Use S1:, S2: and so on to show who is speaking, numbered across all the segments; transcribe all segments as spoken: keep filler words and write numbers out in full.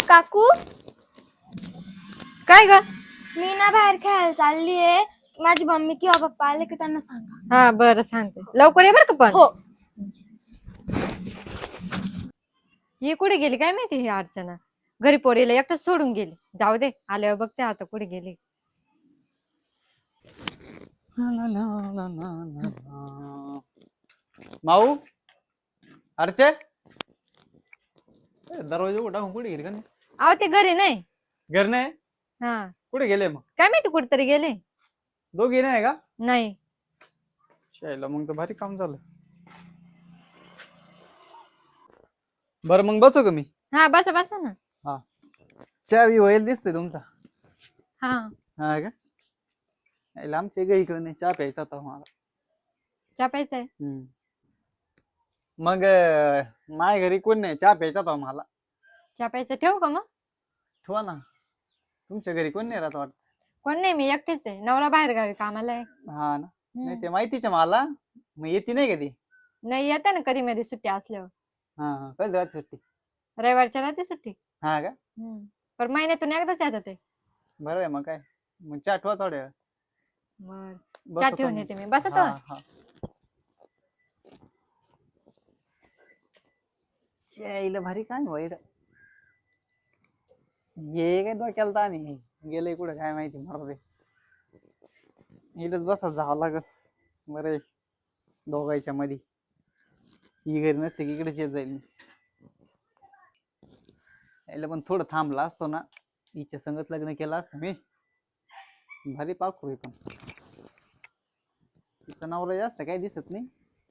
S1: काकू
S2: काय ग?
S1: मी ना बाहेर खेळायला चालली आहे. माझी मम्मी किंवा पप्पा आले की त्यांना सांगा.
S2: हा बरं सांगते, लवकर ये बरं का. पण
S1: हो.
S2: ही कुठे गेली काय माहिती ही अर्चना. घरी पोरीला एकटं सोडून गेली. जाऊ दे, आल्यावर बघते आता कुठे गेली.
S3: माऊ अर्चे दरवाजा उघडा कुठे गेली का नाही?
S2: अहो ते घरी नाही.
S3: घर नाही?
S2: हा
S3: कुठे गेले मग?
S2: काय माहिती कुठेतरी गेले.
S3: दोघी नाही का?
S2: नाही.
S3: शायला मग तर भारी काम झालं. बरं मग बसू का मी?
S2: हा बसा बसा ना.
S3: हा चहा बी होईल दिसतोय तुमचा.
S2: हा
S3: हा का? यायला आमच्या घरी इकडे नाही, चहा प्यायचा होता मला.
S2: चहा प्यायचाय?
S3: हम्म. मग अं, माझ्या घरी कोण नाही, चहा प्यायचा होता मला.
S2: चहा प्यायचा ठेवू का मग?
S3: ठेवा ना. तुमच्या घरी कोण नाही राहत वाटत?
S2: कोण नाही, मी एकटीच आहे. नवरा बाहेर गावी कामाला आहे.
S3: हा ना. नाही
S2: हम्म.
S3: ते माहितीच आहे मला. मग येते नाही कधी?
S2: नाही येते ना कधी मध्ये सुट्टी असल्यावर.
S3: हा हा कधी राहते सुट्टी?
S2: रविवारच्या राहते सुट्टी.
S3: हा का?
S2: हम्म. पण महिन्यातून एकदाच येतात ते.
S3: बरं आहे मग काय. मग चहा ठेवा थोड्या वेळ.
S2: बर
S3: बसतो
S2: चहा ठेवून
S3: मी.
S2: येते मी. बसा
S3: हा
S2: तर.
S3: हा. यायला भारी काय वैर. ये काय डोक्याला ताण आहे. गेलंय कुठे काय माहिती मरू दे. इथंच बसत जावं लागल. बरं आहे. दोघांच्या मध्ये ही घरी नसते की इकडेच येत जाईल मी. यायला पण थोडं थांबला असतो ना, हिच्या संगत लग्न केलं असतं मी. भारी पाखरू आहे पण. तिचा नवरा जास्त काही दिसत नाही.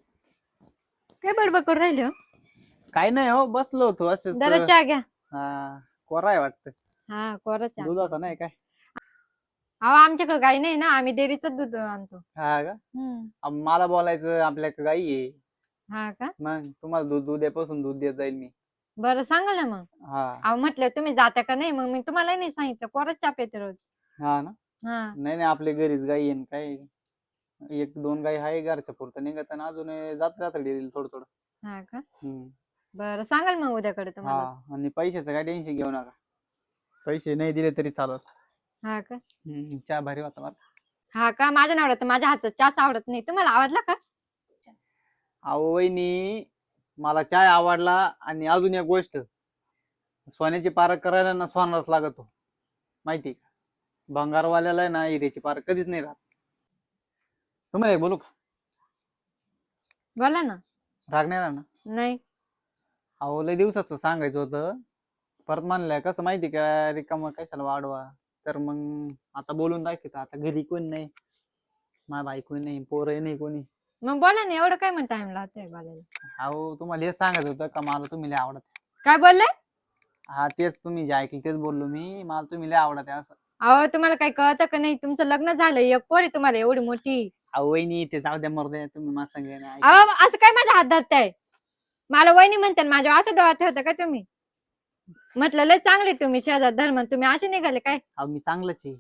S2: काय बडबड करून राहिले हो?
S3: काय नाही हो, बसलो होतो असंच.
S2: जरा चहा घ्या.
S3: हा कोरा आहे वाटतं.
S2: हा कोरा चहा.
S3: दुधाचा नाही काय?
S2: अहो आमच्याकडे गाई नाही ना, आम्ही डेअरीच दूध आणतो.
S3: हा का?
S2: हम्म.
S3: अब मला बोलायचं आपल्याकडे गाई आहे.
S2: हा का?
S3: मग तुम्हाला दूध उद्यापासून दूध देत जाईल मी.
S2: बरं सांगा ना मग.
S3: हा
S2: अहो म्हटलं तुम्ही जाता का नाही, मग मी तुम्हाला नाही सांगितलं. कोराच चहा पिते रोज.
S3: हा ना.
S2: हा
S3: नाही नाही आपल्या घरीच गाई आहे न काय. एक दोन गाई आहे घरच्या पुरतं निघत आणि अजून जात जात डेअरीला थोडं थोडं.
S2: हा का?
S3: हम्म.
S2: बरं सांगाल मग उद्याकडे तुम्हाला.
S3: हा आणि पैशाचं काय टेन्शन घेऊ नका. पैसे नाही दिले तरी चालत.
S2: हा का?
S3: हम्म, चहा भारी होता मला.
S2: हा का? माझ्या नवऱ्यात माझ्या हातात चहाच आवडत नाही. तुम्हाला आवडला का?
S3: अहो वहिनी मला चाय आवडला आणि अजून एक गोष्ट, सोन्याची पारख करायला ना सोनारच लागतो माहिती का? भंगारवाल्याला आहे ना हिऱ्याची पारख कधीच नाही राहत. तुम्हाला एक बोलू का?
S2: बोला ना.
S3: राग नाही राहणार?
S2: नाही.
S3: अहो लय दिवसाचं सांगायचं होतं, परत म्हणलंय कसं माहिती का, रिकामं कशाला वाढवा. तर मग आता बोलून दाखवतो. आता घरी कोण नाही, माझ्या बायको नाही, पोरही नाही कोणी.
S2: मग बोला ना, एवढं काय मग टाइम लागतोय बोलायला.
S3: अहो तुम्हाला हेच सांगायचं होतं का मला तुम्ही लय आवडत.
S2: काय बोलले?
S3: हा तेच तुम्ही जे ऐकलं तेच बोललो मी, मला तुम्ही लय आवडत आहे असं.
S2: अहो तुम्हाला काही कळतं का नाही? तुमचं लग्न झालं, एक पोर आहे तुम्हाला एवढी मोठी.
S3: अहो वहिनी ते जाऊ द्या मरू द्या, तुम्ही माझं सांगा ना.
S2: अहो असं काय माझ्या हात धरताय? मला वहिनी म्हणतात, माझ्या असं डोळ्यात ठेवता का तुम्ही? म्हटलं लय चांगले तुम्ही शेजार धर्म, तुम्ही असे निघाले काय?
S3: अहो मी चांगलंच आहे.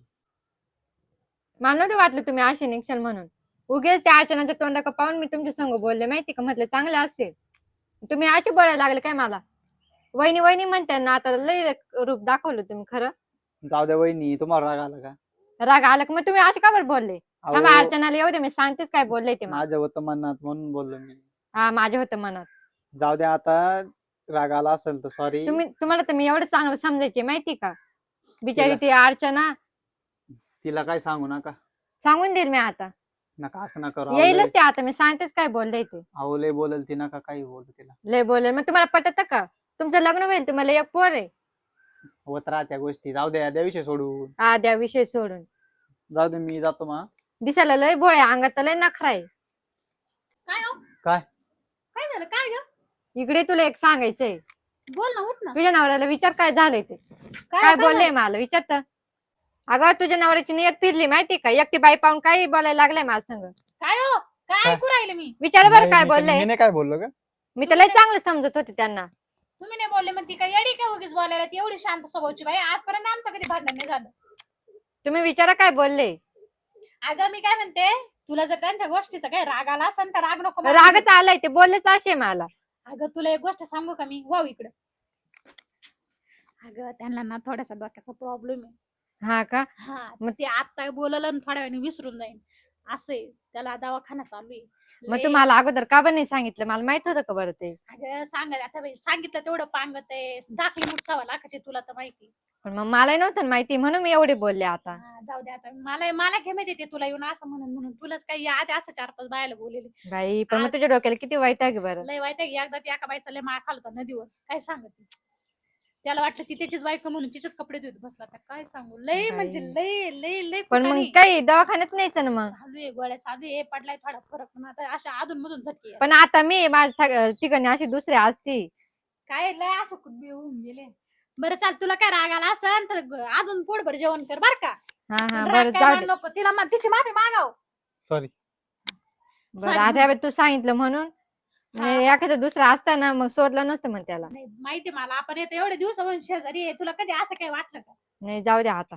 S2: मला नव्हतं वाटलं तुम्ही असे निघशाल म्हणून. उगेच त्या अर्चनाच्या तोंडाकडे पाहून मी तुमच्या संग बोलले माहिती का. म्हटलं चांगलं असेल, तुम्ही असे बोलायला लागले काय मला? वहिनी वहिनी म्हणताय ना, आता लय रूप दाखवलं तुम्ही. खरं
S3: जाऊ द्या वहिनी, तुम्हाला राग आला का?
S2: राग आला का? मग तुम्ही असे का बरं बोलले?
S3: अहो,
S2: थांबा अर्चनाला येऊ दे, मी सांगतेच काय बोलले ते मला.
S3: माझं होतं मनात म्हणून बोललो मी.
S2: हा माझे होतं मनात.
S3: जाऊ द्या आता, राग आला असेल तर सॉरी.
S2: तुम्ही तुम्हाला तर मी एवढं चांगलं समजायचे माहिती का. बिचारी
S3: तिला-
S2: ती अर्चना,
S3: तिला काय सांगू नका.
S2: सांगून देईल मी आता.
S3: नका असं नका करू. अहो,
S2: येईलच
S3: लय-
S2: ते आता, मी सांगतेच काय बोलले ते.
S3: अहो लय बोलल ती, नका काही बोलू तिला.
S2: लय बोलेल. मग तुम्हाला पटत का? तुमचं लग्न होईल, तुम्हाला एक पोर आहे.
S3: होत राहत्या गोष्टी. जाऊ द्या, द्या विषय सोडून.
S2: हा द्या विषय सोडून.
S3: जाऊ दे मी जातो मा.
S2: दिसायला लय भोळे, अंगात तर लय नखरा आहे.
S4: काय हो?
S3: काय?
S4: काय झालं? काय ग?
S2: इकडे तुला एक सांगायचंय.
S4: बोल ना, उठ ना.
S2: तुझ्या नवऱ्याला विचार काय झालंय ते. काय बोलले मला विचारत. अगं तुझ्या नवऱ्याची नियत फिरली माहिती का. एकटी बाई पाहून काही बोलायला लागलाय माझ्या संग.
S4: काय हो? काय
S3: काय?
S4: ऐकू राहिले मी?
S2: विचार बरं
S3: नाही,
S2: काय
S3: मी-
S2: बोलले.
S3: मी नाही काय बोललो का?
S2: मी तर लय चांगलं समजत होते त्यांना.
S4: तुम्ही नाही बोलले मग ती काय येडी का उगीच बोलायला? ती एवढी शांत स्वभावची बाई, आजपर्यंत आमचं कधी भांडण नाही झालं.
S2: तुम्ही विचारा काय बोलले.
S4: अगं मी काय म्हणते, तुला जर त्यांच्या गोष्टीचा काही राग आला असेल तर राग नको मला.
S2: रागच आलाय, ते बोललेच असे मला.
S4: अगं तुला एक गोष्ट सांगू का मी? वाव इकडं. अगं त्यांना ना थोडासा डोक्याचा प्रॉब्लेम आहे.
S2: हा का?
S4: हा मग ते आता बोललं आणि थोड्या वेळाने विसरून जाईन असे. त्याला दवाखाना चालू आहे.
S2: मग
S4: लय-
S2: तुम्हाला अगोदर का पण नाही सांगितलं? मला माहित होतं का बरं ते?
S4: अगं सांगा आता बाई, सांगितलं तेवढं पांगत आहे. दाखली मुठसावा लाखाची तुला तर माहिती.
S2: पण मग मला नव्हतं ना माहिती, म्हणून मी एवढे बोलले आता.
S4: हा, जाऊ दे आता. मला मला काय माहिती ते तुला येऊन असं म्हणून म्हणून तुलाच काही आधी असं चार पाच बायाला बोललेली.
S2: बाई पण मग
S4: आज-
S2: तुझ्या डोक्याला किती वाईट आहे बरं.
S4: लय वाईट आहे. एकदा ती एका बाईचा लय मार खाल्ला होता नदीवर. काय सांगत ती. त्याला वाटलं ती त्याचीच बायको म्हणून तिचेच कपडे धुत बसला. आता काय सांगू. लय म्हणजे लय लय लय
S2: पण मग
S4: कुटाणे.
S2: काही दवाखान्यात न्यायचं ना मग.
S4: चालू आहे गोळ्या चालू आहे. पडलाय थोडा फरक पण आता अशा अधून मधून झटके आहे.
S2: पण आता मी माझ्या ठिकाणी अशी दुसरी असती.
S4: काय लय असं कुदबी होऊन गेले. बरं चाल, तुला काय राग आला असेल तर ग- अजून पोटभर जेवण कर बर का.
S2: हा हा
S4: राग
S2: बरं
S4: काय
S2: जाऊ
S4: मान
S2: दे.
S4: नको. तिला मा- तिची माफी मागाव.
S3: सॉरी.
S2: बरं
S4: sorry.
S2: आता हे बघ, तू सांगितलं म्हणून.
S4: हा.
S2: नाही, एखादं दुसरं असतं ना मग सोडलं नसतं मग त्याला.
S4: नाही माहिती मला, आपण येतो एवढे दिवस शेजारी आहे. तुला कधी असं काही वाटलं का?
S2: नाही जाऊ दे आता.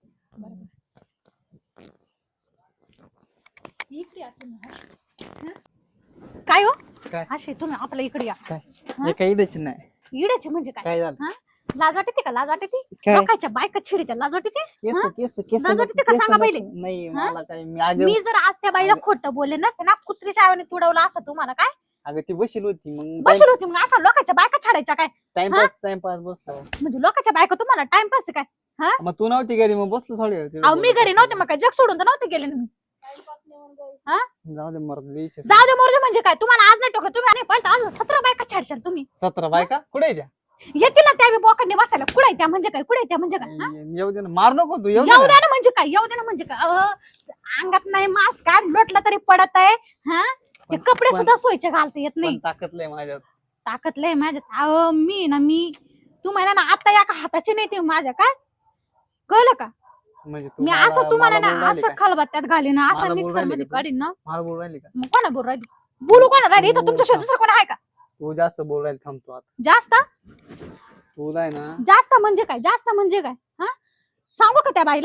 S4: इकडे या तुम्ही. हं? काय हो
S3: काय?
S4: असे तुम्ही आपल्या इकडे या.
S3: काय
S4: हा?
S3: हे काही इडच नाही.
S4: इड्याचे म्हणजे काय?
S3: काय झालं?
S4: हा? लाज वाटते का? लाज वाटते?
S3: काय?
S4: लोकांच्या बायका छिडीच्या लाज वाटते?
S3: केस
S4: हा?
S3: केस केस
S4: लाज वाटते का?
S3: केस
S4: सांगा
S3: नको.
S4: पहिले.
S3: नाही
S4: हा?
S3: मला काय मी अगं
S4: मी जर आज त्या बाईला खोटं बोलले नसते ना, कुत्रीच्या आवाने तुडवलं असं तुम्हाला काय
S3: अगं ती बशील होती मग
S4: बसलो होती मग असं लोकांच्या बायका छाडायच्या काय?
S3: टाइमपास टाइमपास बसलो.
S4: म्हणजे लोकांच्या बायका तुम्हाला टाइमपास काय?
S3: मग तू नव्हती घरी मग बसलो थोडी वेळ तिकडे
S4: अहो मी
S3: बोलत
S4: घरी नव्हते मग काय जग सोडून तर नव्हते गेले ना मी. हा?
S3: जाऊ दे मरत द्यायचे.
S4: जाऊ दे मोरजे म्हणजे काय? तुम्हाला आज नाही टोकलं तुम्ही आणि पळता अजून सतरा बायका छाडशाल तुम्ही.
S3: सतरा बायका कुठे आहे त्या?
S4: येतील ना त्या बी बोकांनी बसायला. कुठे त्या म्हणजे काय? कुठे त्या म्हणजे काय? हा?
S3: येऊ दे ना, मार नको तू. येऊ
S4: येऊ
S3: दे
S4: द्या ना म्हणजे काय? येऊ द्या ना म्हणजे काय? अहो, अंगात नाही मास्क काय लोटलं तरी पडत आहे. हा ते
S3: पण-
S4: कपडे
S3: पण-
S4: सुद्धा सोयीचे घालता येत
S3: पण
S4: नाही.
S3: ताकद लय माझ्यात.
S4: ताकद लय माझ्यात. अहो मी ना मी तुम्हाला ना आता एका हाताची नाही ते माझ्या काय कळलं का?
S3: म्हणजे तू
S4: मी
S3: मला-
S4: असं तुम्हाला
S3: मला
S4: ना
S3: बोलून राहिली
S4: असं
S3: का?
S4: खलबत्त्यात घालीन
S3: मला
S4: असं
S3: बोलून
S4: मिक्सर
S3: राहिली
S4: मध्ये
S3: का तू?
S4: काढीन ना.
S3: मला बोलून राहिली का?
S4: मग कोणा बोल राहिली? बोलू कोणा राहिली? इथं
S3: तू-
S4: तुमच्याशिवाय दुसरं कोण आहे का?
S3: तू जास्त बोल राहिली. थांबतो आता.
S4: जास्त
S3: तुला आहे ना
S4: जास्त म्हणजे काय? जास्त म्हणजे काय? हा सांगू का त्या बाईला?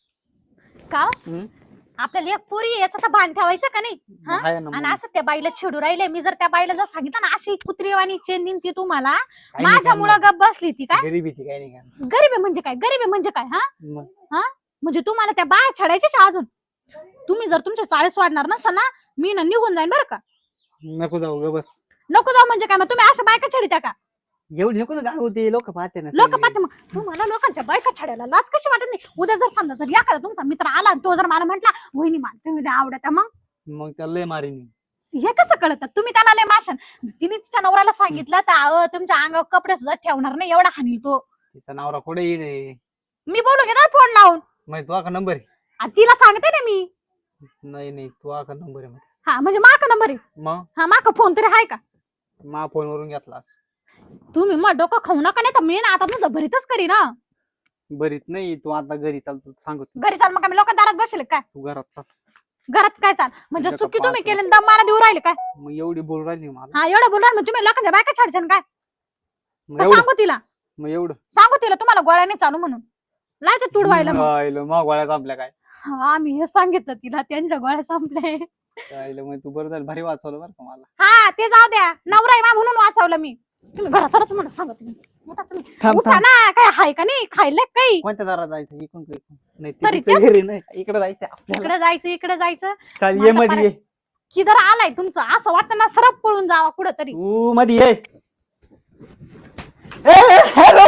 S4: का
S3: हम्म?
S4: आपल्याला एक पोरी आहे, याचा तर भान ठेवायचं का नाही? हा?
S3: आहे ना
S4: आणि
S3: मग.
S4: असं त्या बाईला छेडू राहिले. मी जर त्या बाईला जर सांगितलं ना अशी कुत्रीवाणी चेन देईन ती तुम्हाला,
S3: काही नाही
S4: माझ्यामुळं
S3: करणार.
S4: गप बसली ती काय?
S3: गरीबी ती काही नाही करणार.
S4: गरीब आहे म्हणजे काय? गरीब आहे म्हणजे काय? हा
S3: मग
S4: म्हणजे तुम्हाला त्या बाया छाडायच्याच अजून. तुम्ही जर तुमच्या चाळीस वाढणार नसाल ना, मी ना निघून जाईन बरं का.
S3: नको जाऊ ग बस.
S4: नको जाऊ म्हणजे काय? मग तुम्ही अशा बायका छाडित्या का?
S3: एवढी नको ना गाव होते लोक पाहते ना
S4: लोक
S3: सगळे.
S4: पाहते मग तुम्हाला लोकांच्या बायका छाडायला लाज कशी वाटत नाही? उद्या जर समजा जर एखादा तुमचा मित्र आला आणि तो जर मला म्हटला वहिनी मला तुम्ही लय आवडता, मग
S3: मग त्याला लय मारीन.
S4: हे कसं कळतं? तुम्ही त्याला लय माशान. तिने तिच्या नवऱ्याला सांगितलं तर अहो तुमच्या अंगावर कपडे सुद्धा ठेवणार नाही एवढा हानील तो.
S3: तिचा नवरा कुठे येईल?
S4: मी बोलू घेणार फोन लावून.
S3: मग तू का नंबर आहे?
S4: आणि तिला सांगते ना मी.
S3: नाही नाही तू का नंबर आहे?
S4: हा म्हणजे माका नंबर आहे.
S3: मग
S4: हा माका फोन तरी आहे का?
S3: मा फोनवरून घेतलास.
S4: तुम्ही मग डोकं खाऊ नका नाही तर मी ना आता तुझं भरीतच करी ना.
S3: बरीत नाही तू आता घरी चालतो सांगतो.
S4: घरी चाल मग आम्ही लोक दारात बसले काय?
S3: तू घरात चाल.
S4: घरात काय चाल म्हणजे
S3: तुझ्या
S4: चुकी
S3: का
S4: तुम्ही
S3: पाच
S4: केली आणि दम मला देऊ राहिले काय?
S3: मग एवढी बोल राहिली मला.
S4: हा एवढं बोलणार मग तुम्ही लोकांच्या बायका छाडशान काय?
S3: मग
S4: तर
S3: एवढं
S4: सांगू तिला
S3: मग एवढं
S4: सांगू तिला तुम्हाला गोळ्याने चालू म्हणून लायचं तुडवायला मग.
S3: राहिलं, मग गोळ्या आपल्या काय
S4: हा मी हे सांगितलं तिला त्यांच्या गोळ्या संपले.
S3: राहिलं मग तू बरं झालं भारी वाचवलं बरं का मला.
S4: हा ते जाऊ द्या नवरा आहे बा म्हणून वाचवलं मी. तुम्ही घरात चला तुम्हाला सांगा तुम्ही. उठा तुम्ही.
S3: थांब,
S4: उठा
S3: थांब.
S4: ना काय हाय का नाही खायला काही?
S3: कोणत्या दारात जायचं? इकडून का इकडून? नाही
S4: तरी
S3: तिच्या घरी नाही इकडे जायचं आपल्याला.
S4: इकडे जायचं इकडे जायचं.
S3: चाल
S4: माझा
S3: ये मध्ये ये.
S4: किधर आलाय तुमचं असं वाटतं ना सरप पळून जावा कुठं तरी.
S3: तू मध्ये ये. ए, हॅलो